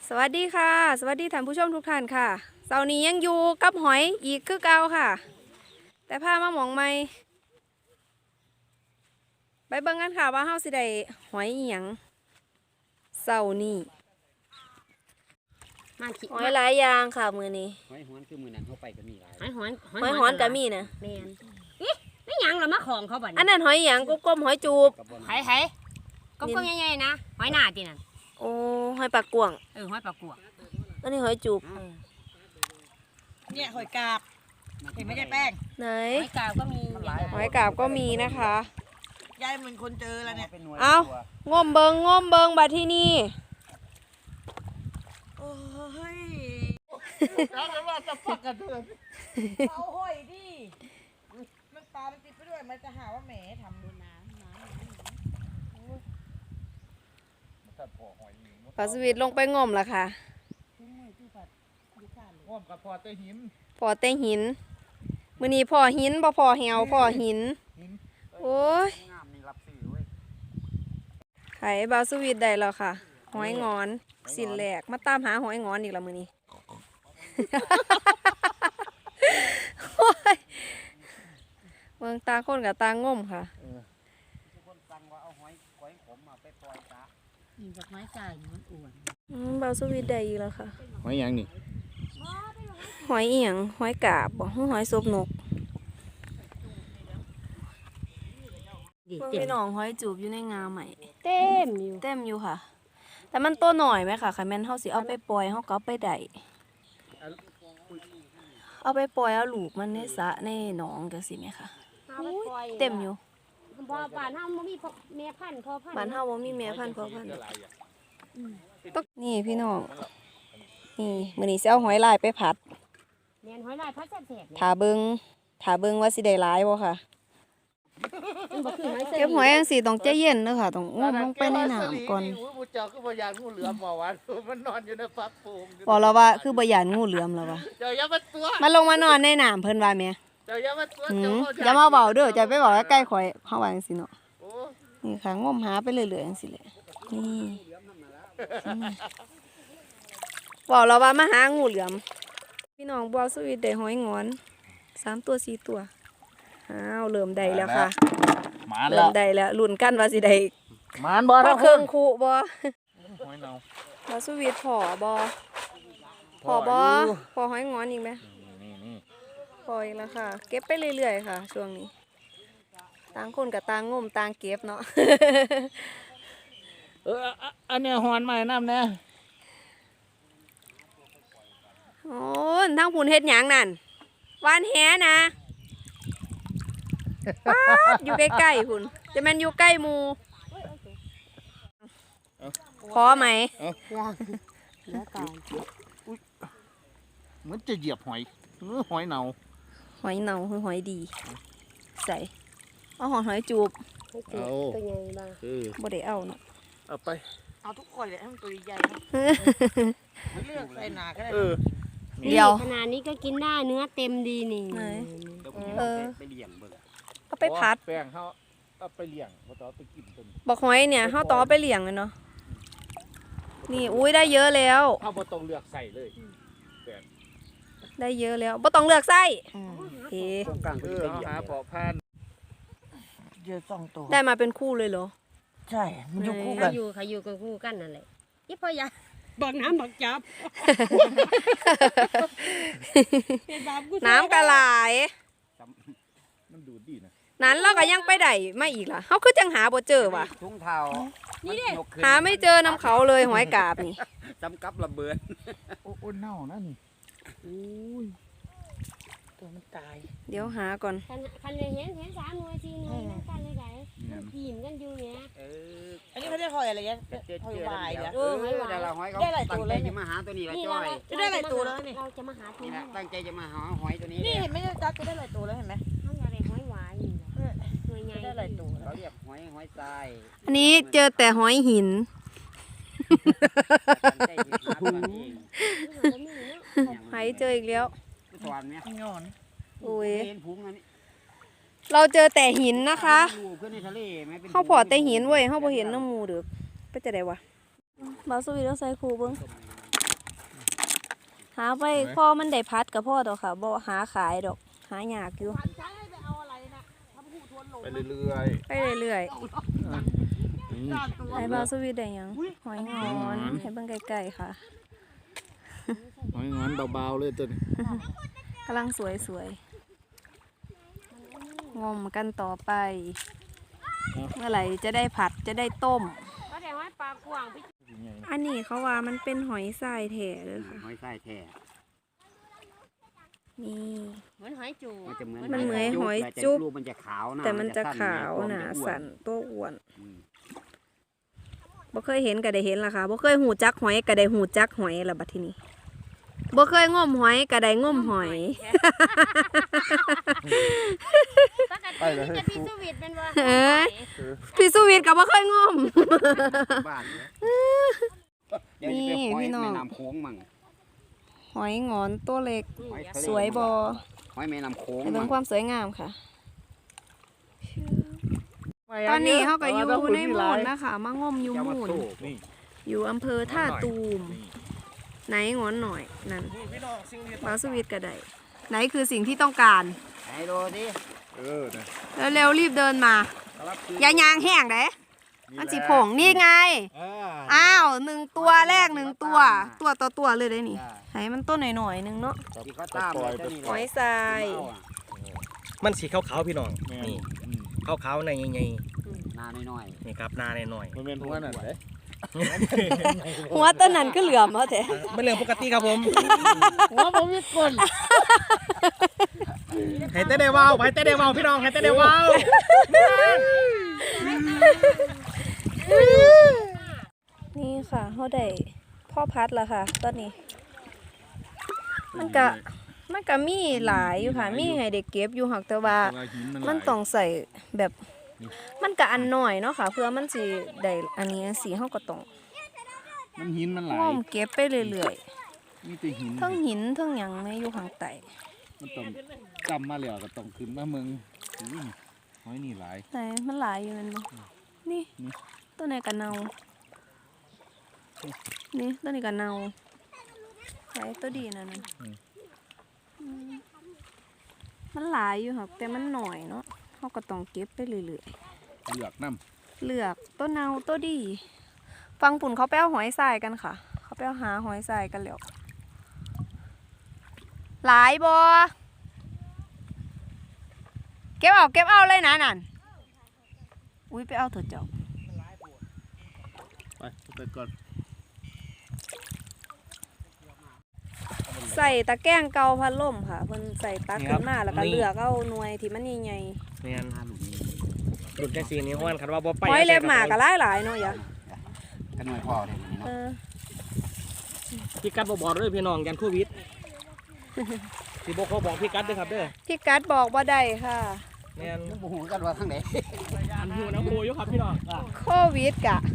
สวัสดีค่ะสวัสดีท่านผู้ชมทุกท่านค่ะเสาร์นี้ยังอยู่กับหอยอีกคือเก่าค่ะแต่พามาหมองไม่ไปเบิ่งกันค่ะว่าเฮาสิได้หอยอีหยังเสาร์นี้หอยหลายอย่างค่ะมื้อนี้หอยหอนคือมือนั้นเขาไปก็มีหลายหอยหอนก็มีนะแม่นอิไม่หยังเรามาของเขาบ่อันนั้นหอยอีหยังกลมๆหอยจูบไผก็ใหญ่ๆนะหอยหน้าตินั่นโอ้หอยปากกวางหอยปลากวกอันนี้หอยจูบเนี่ยหอยกาบเห็นไหมยายแป้งไหนหอยกาบก็มีหอยกาบก็มีนะคะยายเหมือนคนเจอแล้วเนี่ยเอางมเบิงบัดที่นี่โอ้ยแล้วว่าจะพักกันเถอะเอาหอยดิมันปลามันติดไปด้วยมันจะหาว่าแหมทำดูน้ำปลาสวิตลงไปงมละค่ะงมกับพอเตหินมื้อนี้พ่อหินบ่พ่อแหวพ่อหินโอ้ยไข่ปลาสวิตได้แล้วค่ะหอยงอนสินแหลกมาตามหาหอยงอนอีกแล้วมื้อนี้โอ้ยเมืองตาคนกับตางมค่ะคนสั่งว่าเอาหอยขมมาไปปล่อยจ้าจากไม้จ่ายมันอ้วนปลาสวิตได้อีกแล้วค่ะหอยยังนี่หอยอีหยังหอยกาบบ่หอยซบนกพี่น้องหอยจูบอยู่ในงาใหม่เต็มอยู่ค่ะแต่มันตัวหน่อยไหมค่ะคันแม่นเฮาสิเอาไปปล่อยเฮาก็เอาไปได้เอาไปปล่อยเอาลูกมันในสระในหนองจังซี่แม่ค่ะเต็มอยู่บ้านเฮาบ่มีแม่พันธุ์พ่อพันธุ์บ้านเฮาบ่มีแม่พันธุ์พ่อพันธุ์นี่พี่น้องนี่มื้อนี้สิเอาหอยลายไปผัดแม่นหอยลายผัดแซ่บๆถ้าเบิ่งว่าสิได้หลายบ่ค่ะเก็บหอยจังซี่ต้องใจเย็นเด้อค่ะต้องงมลงไปในน้ำก่อนผู้เจ้าคือบ่ยานงูเหลือมบ่วะมันนอนอยู่ในฟักโป่งบอกเราว่าคือบ่ย่านงูเหลือมแล้วว่ะเจ้าอย่ามาตัวมาลงมานอนในน้ำเพิ่นว่าแม่เจ้าอย่ามาตัวอย่ามาเว้าเด้อจะไปเว้าใกล้ๆข่อยเฮาว่าจังซี่เนาะนี่ค่ะงมหาไปเรื่อยๆจังซี่แหละนี่บอกเราว่ามาหางูเหลือมพี่น้องบัวสวีทได้หอยงอน3ตัว4ตัวอ้าวเริ่มได้แล้วค่ะเริ่มได้แล้วลุ้นกันว่าสิได้มานบ่เครื่องคู่บ่หอยเน่าบัวสวีทพอบ่พอหอยงอนอีกมั้ยพออีกแล้วค่ะเก็บไปเรื่อยๆค่ะช่วงนี้ต่างคนกับต่างงมต่างเก็บเนาะอันนี้หอนใหม่น้ำแน่โอ้ทั้งผุนเฮ็ดหยังนั่นวานแหนะป๊าดอยู่ใกล้ๆผุนจะแม่นอยู่ใกล้หมู่พอไหมมันจะเหยียบหอยหอยเน่าคือหอยดีใส่เอาหอยจูบเอาตัวใหญ่บ้างบ่ได้เอาเนาะเอาไปเอาทุกคนเลยให้มันตัวใหญ่ไม่เลือกใส่หนาก็ได้เดียวขนาดนี้ก็กินได้เนื้อเต็มดีนี่ไปเลี้ยงเบิ่งก็ไปพัดแป้งเขาเอาไปเลี้ยงเขาต่อไปกินต้นบอกหอยเนี่ยเขาต่อไปเลี้ยงเลยเนาะนี่อุ้ยได้เยอะแล้วเขาบ่ต้องเลือกใส่เลยได้เยอะแล้วบ่ต้องเลือกไส้เฮ้กลางคือหาปอพันเยอะ2 ตัวได้มาเป็นคู่เลยเหรอใช่มันอยู่คู่กันอยู่กับคู่กันนั่นแหละยี่พ่อยาบักน้ำบักจับน้ำกระไหลมันดูดีนะนั้นเราก็ยังไปได้ไม่อีกล่ะเขาคือจังหาบ่เจอว่ะทุ่งเท้านี่ดิหาไม่เจอน้ำเขาเลยหอยกาบนี่จำกับระเบิดโอ้เน่านั่นตัวมันตายเดี๋ยวหาก่อนคันเลยเห็น3 หน่วย 4 หน่วยนั่นกันเลยไงทีมกันอยู่เนี่ยอันนี้เขาเรียกหอยอะไรเนี่ยหอยวายเนี่ยหอยเขาตั้งใจจะมาหาตัวนี้ละจ้อยจะได้หลายตัวแล้วนี่เราจะมาหาตัวนี้ตั้งใจจะมาหาหอยตัวนี้นี่เห็นไหมจ๊ะจะได้หลายตัวแล้วเห็นไหมเขาอยากได้หอยวายหน่วยใหญ่ได้หลายตัวเขาเรียกหอยทรายอันนี้เจอแต่หอยหินหายเจออีกแล้วโอ้ยเราเจอแต่หินนะคะเขาพอแต่หินเว้ยเขาพอเห็นน้ำมูเดือไปจะได้วะบาสวีต้องใส่คูเบิ้งหาไปพอมันได้พัดกับพ่อดอกค่ะบ่หาขายดอกหายากอยู่ใช้ให้ไปเอาอะไรนะทำหูทวนหลงไปเรื่อยไปเรื่อยๆด้านตัวๆไอ้บาสวีทได้หยังหอยงอนให้เบิ่งใกล้ๆค่ะหอยงอนเบาๆเลยตัวนี้กำลังสวยๆงมกันต่อไป เมื่อไหร่จะได้ผัดจะได้ต้มก็แต่ว่าปลากวางพี่อันนี้เขาว่ามันเป็นหอยทรายแท้เลยค่ะหอยไส้แท้นี่เหมือนหอยจูมันจะเหมือนมันเหมือนหอยจุ๊บรูปมันจะขาวนะแต่มันจะขาวตัวหมันาจะอ้วสันตัวอ้วนอืมบ่เคยเห็นก็ได้เห็นล่ะค่ะบ่เคยหูจักหอยก็ได้หูจักหอยละบัดทีนี้บ่เคยงมหอยก็ได้งมหอยปกตินี่จะพี่สวิตเป็นว่าเอ้ย พี่สุวิทย์ก็บ่เคยงมบ้านเนี่ยเดี๋ยวจะไปนี่หอยพี่น้องแม่น้ำโค้งมั่งหอยงอนตัวเล็กหอยทะเลสวยบ่หอยแม่น้ำโค้งให้เบิ่มั่งงความสวยงามค่ะ ตอนนี้เขาก็อยู่ในมูลนะคะมางมอยู่จะมามูลสู้นี่อยู่อำเภอท่าตูม ไหนงอนหน่อยนั่นบาสวิทย์ก็ได้ไหนคือสิ่งที่ต้องการไหนดูดินะเร็วๆรีบเดินมา อย่ายางแห้งเด้มันสิผงนี่ไง อ้าว1 ตัวแรก1 ตัว ตัวต่อตัวเลยได้นี่ให้มันต้นหน่อยๆนึงเนาะที่เขาตามเลยเจ้านี่หอยทรายมันสีขาวๆพี่น้อง นี่ขาวๆในใหญ่หน้าน้อยๆนี่ครับหนาหน่อยมันเป็นหัวนั่นเลยหัวต้นนั้นก็เหลือมเอาแต่ๆเป็นเรื่องปกติครับผมหัวผมมีกลให้เต้ได้ว้าวให้เต้ได้ว้าวพี่น้องให้เต้ได้ว้าวนี่ค่ะเขาได้พ่อพัดแล้วค่ะตอนนี้ มันก็มีหลายอยู่ค่ะมีให้เด็กเก็บอยู่หักแต่ว่า มันต้องใส่แบบมันก็อันน้อยเนาะค่ะ เพื่อมันสิได้อันนี้สีเฮาก็ต้องมันหินมันหลายง้อมเก็บไปเรื่อยมีแต่หินๆทั้งหินทั้งหยังในอยู่ข้างใต้มันต้องจำมาแล้วก็ต้องขึ้นมาเมืองอุ้ยหอยนี่หลายไหนมันหลายอยู่นั่นบ่นี่ตัวไหนก็เน่านี่ตัวนี้ก็เน่าไหนตัวดีนั่นน่ะอืมมันหลายอยู่ครับแต่มันหน่อยเนาะเฮาก็ต้องเก็บไปเรื่อยๆเลือกน้เลือกตัวเนาตัวดี ฟังปุ่นเขาไปเอาหอยทรายกันค่ะ เขาไปเอาหาหอยทรายกันแล้วหลายบอเก็บเอาเลยนะนั่นอุ้ยไปเอาเถอะเจ้าำไปก่อนใส่ตะแกรงเกาพัดลมค่ะเพิ่นใส่ตักขึ้นมาแล้วก็เลือกเอาหน่วยที่มันใหญ่แม่นหลุดแค่สีนี้ห้วนคันว่าบ่ไปๆหอยเล็บหมากก็หลายๆเนาะอย่ากันหน่อยพอเลยนี่เอเนาะอพี่กัดบ่บอกเลยพี่น้องยันโควิดสิบ่เขาบอกพี่กัดเด้อครับเด้อพี่กัดบอกว่าได้ค่ะแม่นยังบ่ฮู้กันว่าทางไหนอันอยู่น้ำโพอยู่ครับพี่น้องโควิดกะ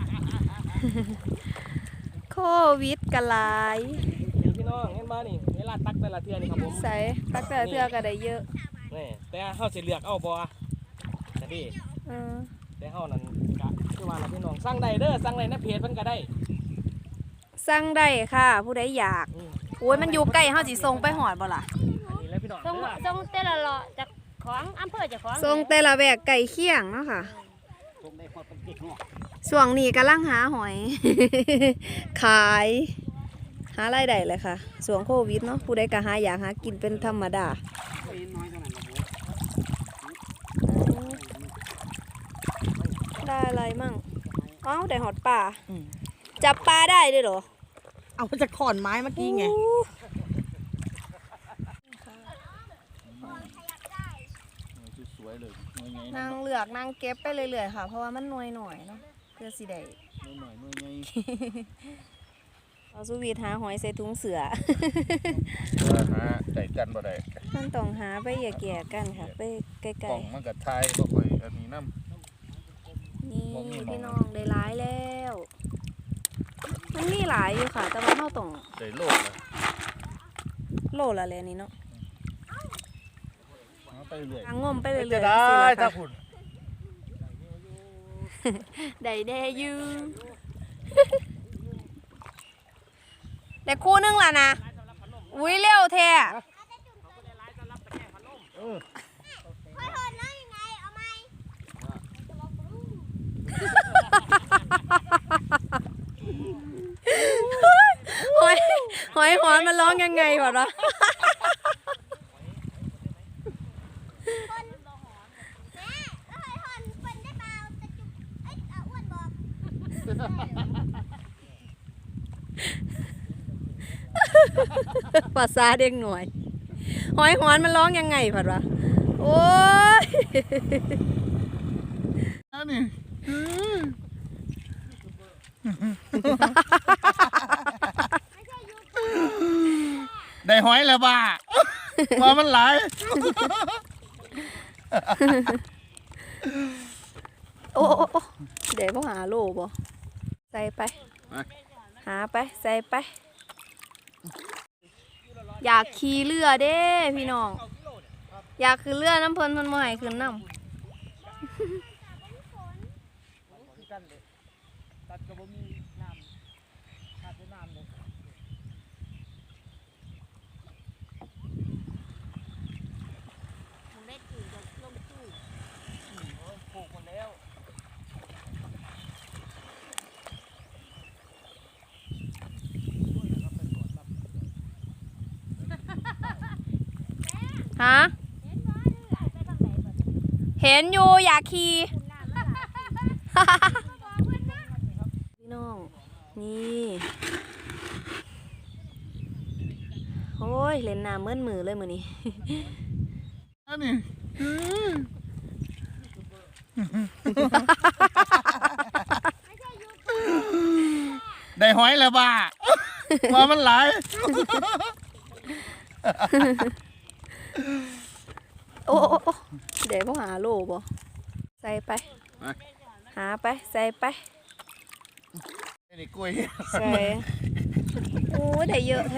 โควิดกะหลายเห็นพี่น้องเห็นบ่นี่เวลาตักแต่ละเทื่อนี่ครับผมใส่ตักแต่ละเทื่อก็ได้เยอะนี่แต่เฮาสิเลือกเอาบ่แต่ดิเออแต่เฮานั่นก็คือว่าล่ะพี่น้องสั่งได้เด้อสั่งได้ในเพจเพิ่นก็ได้สั่งได้ค่ะ ผู้ใดอยากอืมโอ้ยมันอยู่ใกล้เฮาสิส่งไปหอดบ่ล่ะอันนี้แหละพี่น้องทรงเด้อทรงแต่ละเลาะจากของอำเภอจากของส่งแต่ละแวกไก่เคียงเนาะค่ะคงได้พอเป็นกิ๊กเนาะช่วงนี้กำลังหาหอย ขาย หารายได้เลยค่ะช่วงโควิดเนาะผู้ใดก็หาอยากหากินเป็นธรรมดาไปน้อยเท่านั้นละบัวได้อะไรมั่งเอ้าได้หอดปลาจับปลาได้ด้วยเหรอเอามาจากขอนไม้เมื่อกี้ไงสวยๆเลยหน่วยใหญ่นางเลือกนางเก็บไปเรื่อยๆค่ะ เพราะว่ามันหน่วยหน่อยเนาะเพื่อสิได้หน่อยๆหน่วยใหญ่เอาสุวีทหาหอยใส่ถุงเสือหาได้กันบ่ได้มันต้องหาไปแย่ๆกันค่ะ ไปไกกล่ลองมันก็ทายบ่ค่อยอันนี้นำๆนี่บ่มีหม้องพี่น้องได้หลายแล้ว มันมีหลายอยู่ค่ะ แต่ว่าเราต้องได้โลกเลยโลละเลยนี่เนาะหาไปเรื่อยทางงมไปเรื่อยๆจะสิได้ล่ะถ้าค่ะคุณได้แด่อยู่ แต่คู่นึงล่ะนะอุ้ยเร็วแท้ หอยหอนมันร้องยังไงวะเนาะภาษาเด็กหน่อยหอยหอนมันร้องยังไงผัดวะโอ้ยอันนี้ได้หอยแล้วบ้าว่ามันหลายโอ้เดี๋ยวพ่อหาโลบ่ใส่ไป หาไปใส่ไป อยากขี่เรือเด้พี่น้อง อยากขึ้นเรือน้ำเพลินมันมาให้ขึ้นน้ำตัดกระบอกมีน้ำขาดน้ำเลยเม็ดอื่นจะลงตู้ปลูกหมดแล้วฮะ เห็นอยู่อยากขี่ พี่น้อง นี่ โอ้ย เล่นน้ำเมื่อนมือเลยมือนี้อันนี้ได้หอยแล้วบ้าว่ามันหลายโอ้เดี๋ยวพ่อหาโลบ่ใส่ไป หาไป ใส่ไปไอ้นี่กล้วยใส่โอ้ได้เยอะแท้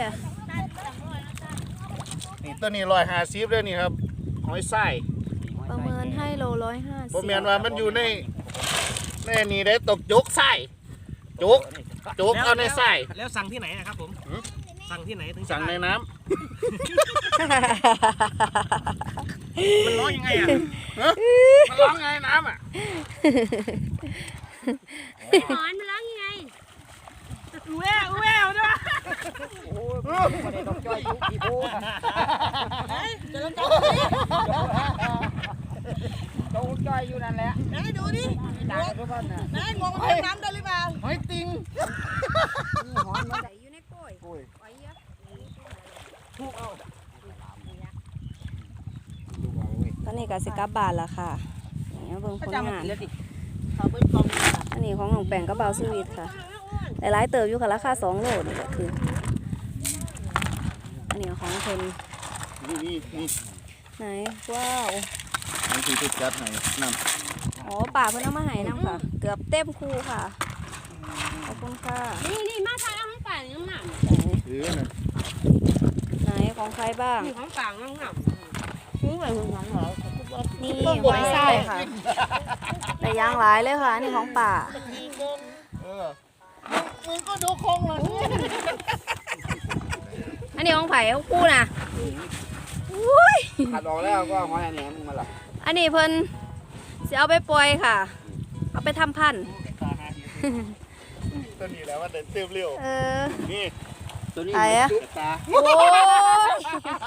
นี่ตัวนี้150เลยนี่ครับหอยไส้ประเมินให้โล150 ผมเห็นว่ามันอยู่ในนี่ได้ตกจกไส้จกเอาในไส้แล้วสั่งที่ไหนนะครับผมสั่งที่ไหนถึงจะสั่งในได้น้มันร้องยังไงอ่ะำมันร้องไงน้ำอ่ะหอนมันร้องยังไงแววด้วยโอ้ยประเด็นดอกจ้อยยุกอีโบ้จะลงจ้อยอยู่นั่นแหละไหนดูดิด่าทุกคนนะไหนงงมันน้ำได้หรือเปล่าหอยติงใส่อยู่ในกล้วยไว้เยอะตอนนี้ก็สิกลับบ้านแล้วค่ะอย่างเงี้ยเบิ่งผลงานเขาเป็นกองอันนี้ของหนองแปงกระเบาสวีทค่ะหลายๆเติบอยู่ค่ะราคา2 โลนี่ก็คือ อันนี้ของเพิ่นนี่ไหนว้าวมันคือติดจัดให้น้อ๋อป่าเพิ่นเอามาให้นำค่ะ เกือบเต็มคูค่ะขอบคุณค่ะนี่มาทายเอาให้ป่าน้ำหนักำน่ะไหนของใครบ้างนี่ของป่าน้ำหนักซื้อไปถึงหลังเหรอนี่หอยไส้ค่ะแต่ยางหลายเลยค่ะอันนี่ของป่ามึงก็ดูคงเลยอันนี้ของไผ่ของกูน่ะอุ้ยขัดออกแล้วก็หอยแหนมมึงมาหลับอันนี้เพิ่นจะเอาไปปล่อยค่ะ เอาไปทำพันธุ์ตัวนี้แหล้วว่าเดินเต็มเร็ว นี่ตัวนี้ไหนอะตาโอ้ย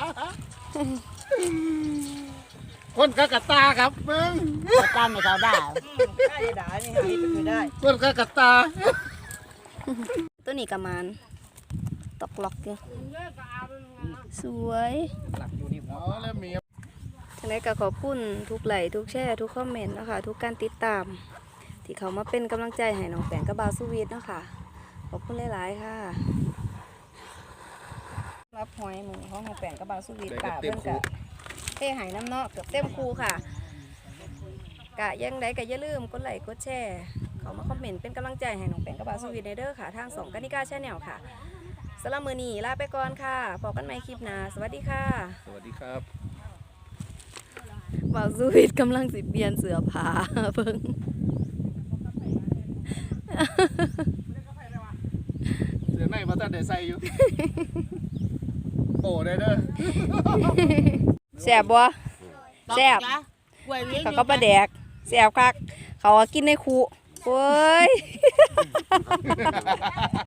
คนกะกะตาครับมึงตามไม่เขาด่าได้ด่านี่ให้ไปคือได้คนกะกะตาตัวนี้กระมานตกล็อกอยู่สวยหลับอยู่นี่หัวเอาแล้วมีทั้งนี้ก็ขอบคุณทุกไลค์ทุกแชร์ทุกคอมเมนต์นะคะทุกการติดตาม ที่เขามาเป็นกำลังใจให้น้องแปงกับบาวสวีทเนาะค่ะขอบคุณหลายๆค่ะรับหอยหมูของน้องแปงกับบาวสวีทกะเพิ่นกะเทหายน้ำเนาะเกือบเต็มคูค่ะกะยังไดก็อย่าลืมกดไลค์กดแชร์เขามาคอมเมนต์เป็นกำลังใจให้น้องแปงกับบาวสวีทในเด้อค่ะทาง2กนิกาแชนแนลค่ะสำหรับมื้อนี้ลาไปก่อนค่ะพบกันใหม่คลิปหน้าสวัสดีค่ะสวัสดีครับบ่าวสวีทกำลังสิเปลี่ยนเสื้อผ้าเพิ่งเสือในมาตั้งแต่ใส่อยู่โป้ได้เด้อแซ่บบ่แซ่บกล้วยเลี้ยงเขาก็ปลาแดกแซ่บคักเขาก็กินในคูโอ้ย